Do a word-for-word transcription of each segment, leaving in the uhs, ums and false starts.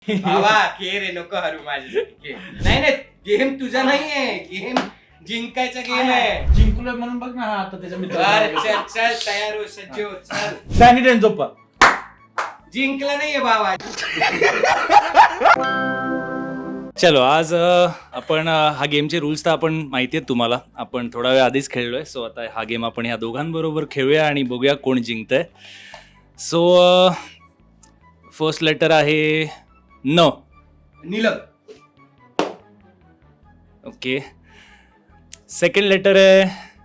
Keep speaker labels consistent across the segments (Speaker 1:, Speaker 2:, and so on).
Speaker 1: बाबा खे रे नको हरू माझ्यासाठी नाही नाही गेम तुझा नाहीये गेम जिंकायचा गेम आहे.
Speaker 2: जिंकलोय म्हणून बघ ना हा आता त्याच्या
Speaker 1: बर,
Speaker 2: मित्राला
Speaker 1: चल चल तयार हो सज्ज हो चल.
Speaker 2: डॅनी डेंजोप्पा
Speaker 1: जिंकला नाहीये बाबा.
Speaker 3: चलो आज अ, आपण अ, हा गेमचे रूल्स तर आपण माहिती आहेत तुम्हाला. आपण थोडा वेळ आधीच खेळलोय. सो आता हा गेम आपण ह्या दोघांबरोबर खेळूया आणि बघूया कोण जिंकतंय. सो फर्स्ट लेटर आहे न.
Speaker 1: नीलम.
Speaker 3: ओके. सेकंड लेटर आहे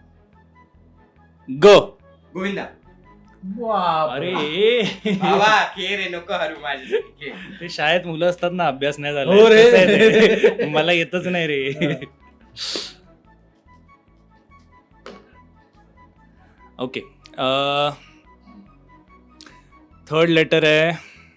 Speaker 3: ग.
Speaker 1: गोविंदा.
Speaker 3: अरे
Speaker 1: बाबा खे रे नको हरू माझ्यासाठी
Speaker 3: ते शाळेत मुलं असतात ना, अभ्यास नाही झाला.
Speaker 2: हो रे.
Speaker 3: कसं आहे ते? मला येतच नाही रे. ओके. थर्ड लेटर आहे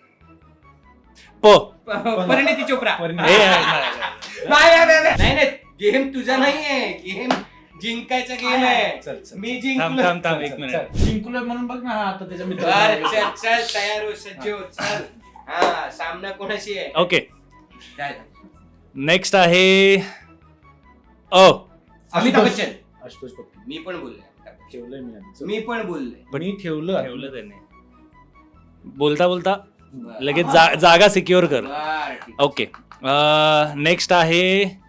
Speaker 3: प.
Speaker 1: परिणिती चोप्रा.
Speaker 3: ए, नाही, नाही.
Speaker 1: नाही नाही, नाही नाही नाही गेम तुझा नाहीये गेम जिंकायचा गेम आहे.
Speaker 2: चल, चल.
Speaker 1: मी
Speaker 3: थांब
Speaker 1: जिंकलो.
Speaker 3: थांब थांब एक मिनिट.
Speaker 2: जिंकलोय म्हणून बघ ना हा आता त्याच्या
Speaker 1: बर,
Speaker 2: मित्राला
Speaker 1: चल चल तयार हो सज्ज हो चल. हा सामना कोणाशी आहे?
Speaker 3: ओके.
Speaker 1: काय?
Speaker 3: नेक्स्ट आहे अ.
Speaker 1: अमिताभ बच्चन.
Speaker 2: आशुतोष पप्पू
Speaker 1: मी पण बोललोय.
Speaker 2: ठेवलंय मी आधी.
Speaker 1: मी पण बोललोय.
Speaker 2: पण मी ठेवलं
Speaker 3: ठेवलं त्याने. बोलता बोलता लगेच जा- जागा सिक्युअर कर.
Speaker 1: बर, ठीक.
Speaker 3: ओके. नेक्स्ट आहे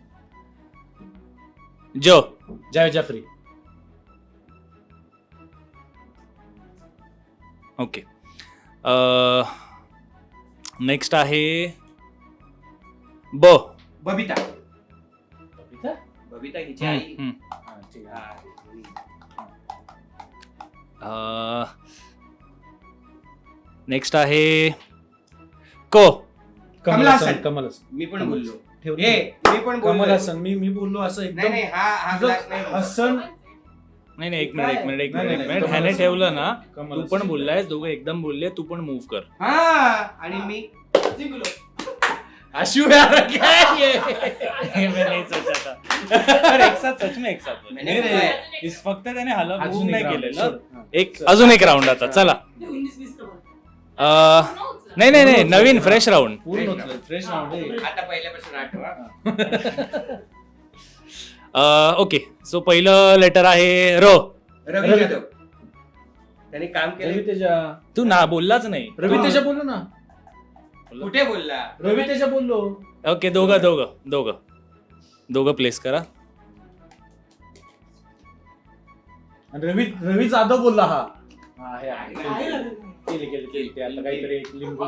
Speaker 3: ज.
Speaker 2: जावेद जाफरी
Speaker 3: ओके. नेक्स्ट आहे ब.
Speaker 1: बबिता.
Speaker 2: बबिता?
Speaker 1: बबिता हिची आई.
Speaker 3: हम्म.
Speaker 2: हा, ठीक आहे.
Speaker 1: हा.
Speaker 3: नेक्स्ट आहे क.
Speaker 2: कमल
Speaker 1: कमल
Speaker 2: हसन
Speaker 1: हसन.
Speaker 2: कमल हसन
Speaker 1: मी पण बोललो.
Speaker 2: ठेवलं.
Speaker 1: ए मी पण
Speaker 2: कमल
Speaker 1: बोललो.
Speaker 2: हसन मी मी बोललो असं
Speaker 1: नाही
Speaker 2: एकदम
Speaker 1: नाही हा हा ग्लास नाही बोललो.
Speaker 2: हसन
Speaker 3: नाही नाही एक मिनिट एक मिनिट एक
Speaker 2: नाही,
Speaker 3: मिनिट एक
Speaker 2: नाही,
Speaker 3: मिनिट
Speaker 2: कमल
Speaker 3: ह्याने
Speaker 2: हसन.
Speaker 3: ठेवलं ना.
Speaker 2: कमल
Speaker 3: तू
Speaker 2: हसन.
Speaker 3: पण बोललायस, दोघं एकदम बोलले. तू पण मूव्ह कर.
Speaker 1: हा आणि मी जिंकलो.
Speaker 2: आशु यार क्या ये
Speaker 3: मैं नहीं सोचा था. अरे, एक साथ सच में एक साथ बोल.
Speaker 1: मैंने
Speaker 3: नाही,
Speaker 1: बोला
Speaker 3: नाही,
Speaker 1: है.
Speaker 3: इस फक्त त्याने हला
Speaker 2: अजून
Speaker 3: मूव्ह
Speaker 2: एक
Speaker 3: नाही
Speaker 2: round.
Speaker 3: केलेलं.
Speaker 2: हा.
Speaker 3: एक अजून एक राऊंड आता चला. अं, नाही नाही नाही नवीन फ्रेश राऊंड.
Speaker 2: पूर्ण होतं फ्रेश राऊंड आहे.
Speaker 1: आता पहिल्यापासून आठवा.
Speaker 3: ओके. सो पहिलं लेटर आहे र.
Speaker 1: रवी
Speaker 2: रवी.
Speaker 1: जाधव. त्याने काम
Speaker 2: रवी
Speaker 1: केलं.
Speaker 2: तेजा
Speaker 3: तू ना बोललाच नाही.
Speaker 2: रवी तेजा बोललो ना
Speaker 1: कुठे बोलला?
Speaker 2: रवी तेजा बोललो
Speaker 3: ओके. दोघं दोघं दोघं दोघं प्लेस करा.
Speaker 2: आणि रवी रवी जाधव बोलला हा हा हे आहे. केले केले केले ते आता काहीतरी एक लिंबू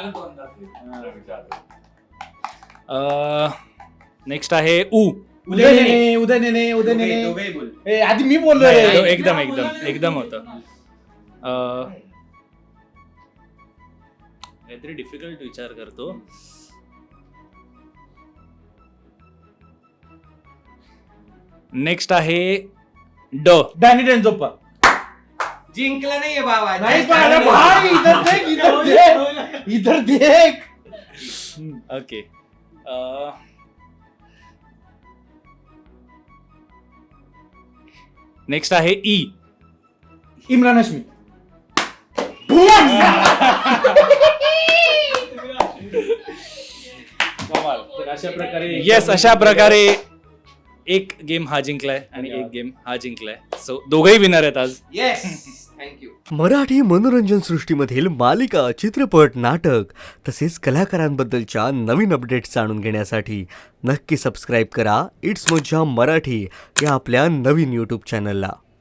Speaker 3: नेक्स्ट आहे उ.
Speaker 2: उदय नेने उदय नेने उदय
Speaker 1: दोघे-
Speaker 2: नेने
Speaker 1: दोघेही बोल.
Speaker 2: ए आधी मी बोललो
Speaker 3: नाही,
Speaker 2: रे
Speaker 3: एकदम एकदम एकदम होतं. अं, काहीतरी डिफिकल्ट विचार करतो. नेक्स्ट आहे ड.
Speaker 2: डॅनी डेंजोप्पा
Speaker 1: जिंकला नाहीये बाबा.
Speaker 2: नाही पण अरे भाई इधर देख इधर देख इधर देख
Speaker 3: ओके. नेक्स्ट आहे ई.
Speaker 2: इम्रान हाशमी तर अशा प्रकारे
Speaker 3: येस, अशा प्रकारे एक गेम हा जिंकलाय आणि एक गेम हा जिंकलाय. सो दोघही विनर आहेत आज.
Speaker 1: Yes thank you.
Speaker 4: मराठी मनोरंजन सृष्टीमधील मालिका, चित्रपट, नाटक तसेच कलाकारांबद्दलच्या नवीन अपडेट्स जाणून घेण्यासाठी नक्की सबस्क्राईब करा इट्स मज्जा मराठी या आपल्या नवीन यूट्यूब चॅनलला.